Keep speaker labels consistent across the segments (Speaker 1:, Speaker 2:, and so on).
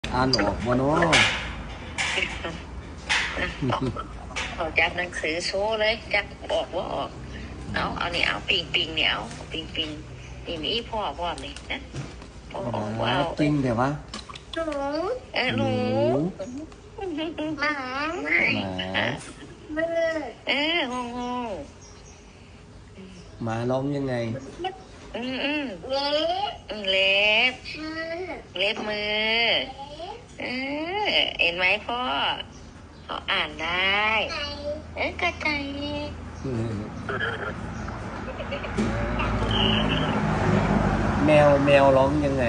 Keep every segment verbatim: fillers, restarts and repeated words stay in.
Speaker 1: อ่านออกบ่เนาะ
Speaker 2: เขาจับหนังสือโชว์เลยจับออกว่าออกเอาเอานี่เอาปิงปิงเนี่ยเอาปิงปิงนี่มีพ่อพ่อนี่นะพ่อออกว่าเอา
Speaker 1: จริงแต่ว่า
Speaker 3: หนู
Speaker 2: เออหนู
Speaker 3: หมา
Speaker 1: หมา
Speaker 3: มือ
Speaker 2: เออโง่โง่
Speaker 1: หมาร้องยังไง
Speaker 2: อืมอืม
Speaker 3: เล็บ
Speaker 2: อืมเล็บ
Speaker 3: มือ
Speaker 2: เล็บมือเออเห็นไหมพ่อเขาอ่านได้
Speaker 3: ไก่
Speaker 2: เออกระจาย
Speaker 1: แมวแมวร้องยังไง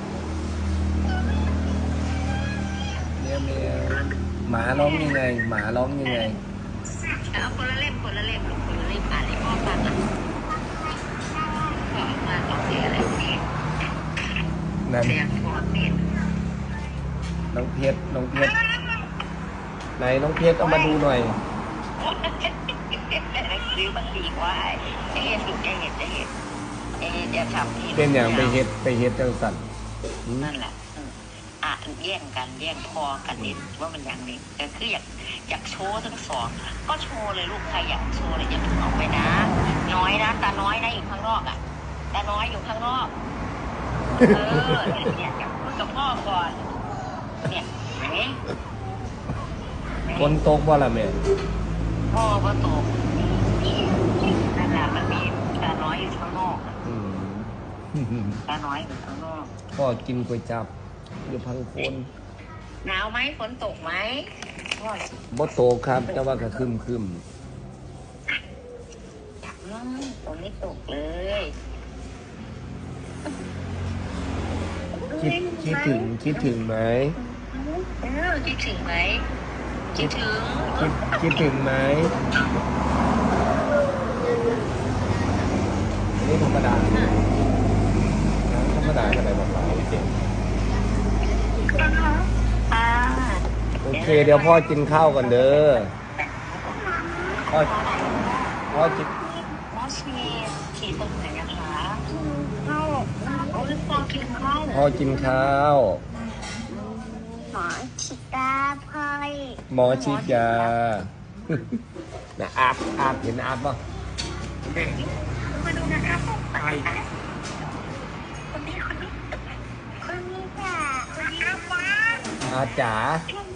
Speaker 1: แมวแมวหมาร้องยังไง หมาร้องยังไง
Speaker 2: เอาคนละเล่มคนละเล่มลูกคนละเล่มอ่านให้พ่อฟังอ่ะพ่อออกมาออกเสียอะไรเนี่ย
Speaker 1: นั่น
Speaker 2: เสียงพ่อเนี่ย
Speaker 1: น้องเพชรน้องเพชรไหนน้องเพชรเอามาดูหน่อย
Speaker 2: ซื้อมาตีกว่าไอ้เห็ดลูกไอ้เห็ดไอ้เห็ดไอ้เห็ดอย่าทำที่
Speaker 1: เป็นอย่างไปเฮ็ดไปเฮ็ดจังสันหืม
Speaker 2: นั่นแหละอืมอ่ะแย่งกันแย่งพอกันนิดว่ามันอย่างนี้แต่คืออยากอยากโชว์ทั้งสองก็โชว์เลยลูกใครอยากโชว์เลยอย่าเพิ่งออกไปนะ น้อยนะตาน้อยนะอยู่ข้างนอกอ่ะตาน้อยอยู่ข้างนอกเออเนี่ยอยากพูดกับพ่อก่อนเนี่ยเห็นไหม
Speaker 1: คนตกบ่ล่ะแม่
Speaker 2: พ่อก็ตกนั่นแหละมันมีตาน้อยอยู่ข้างนอกอะ
Speaker 1: อืม
Speaker 2: ตาน้อยอยู่ข้างนอก
Speaker 1: พ่อกินก๋วยจับอยู่พังโคน
Speaker 2: หนาวไหมฝนตกไหมพ่อ
Speaker 1: บ่โตครับ แต่ว่าก็คึมคึม
Speaker 2: อืมฝนไม่ตกเลย
Speaker 1: คิดคิดถึงคิดถึงไหม
Speaker 2: เออคิดถึงไหมคิดถึง
Speaker 1: คิดคิดถึงไหมอันนี้ธรรมดาธรรมดาอะไรบอกเราโอเค
Speaker 2: อ่า
Speaker 1: โอเค เดี๋ยวพ่อกินข้าวก่อนเด้อพ่อพ่อกิน
Speaker 2: น้องชีขี่ตรงไหนนะคะ
Speaker 3: เข้า
Speaker 2: โอ้ยพ่อกินข้าวเหรอ
Speaker 1: พ่อกินข้าว
Speaker 3: หมอฉีดตาพลอย
Speaker 1: หมอฉีดยา นะอาบอาบเห็นอาบป่ะ
Speaker 2: มาดูนะครับ
Speaker 1: ใช่
Speaker 2: คนนี้คนนี้
Speaker 3: คนนี้จ้ะ
Speaker 2: คนนี้นะ
Speaker 1: อาจ๋า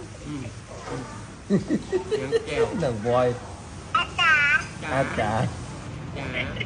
Speaker 4: เสียงแก้ว
Speaker 1: หนังบอย
Speaker 3: อาจารย์
Speaker 4: จ๋า
Speaker 1: อาจ๋า
Speaker 4: จ๋า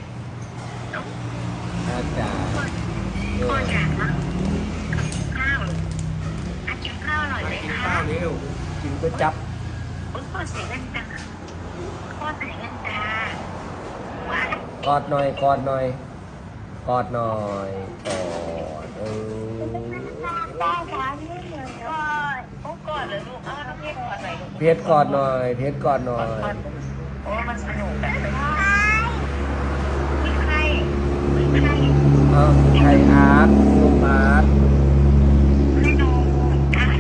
Speaker 1: อาจ๋าเอ
Speaker 2: พ่อ
Speaker 1: อ
Speaker 2: จ๋าข้าวอากินข้าวอร่อย
Speaker 4: ไป
Speaker 2: ไหม
Speaker 4: กิน
Speaker 2: คะ
Speaker 4: ข้าวเร็ว
Speaker 1: กินก๋วยจับ
Speaker 2: โอ้ยพ่อใส่แว่นตาพ่อใส่แว่นตาว้าย
Speaker 1: กอดหน่อยกอดหน่อยกอดหน่อยกอดเออ
Speaker 3: ได้ค่ะไม่เหมือนก่อน
Speaker 2: โอ้กอดเลยลูกเอาน้องเพชรกอดหน่อยลูก
Speaker 1: เพชรกอดหน่อย เพชรกอดหน่อย
Speaker 2: โอ้มันสนุกแบบ
Speaker 3: พ่อ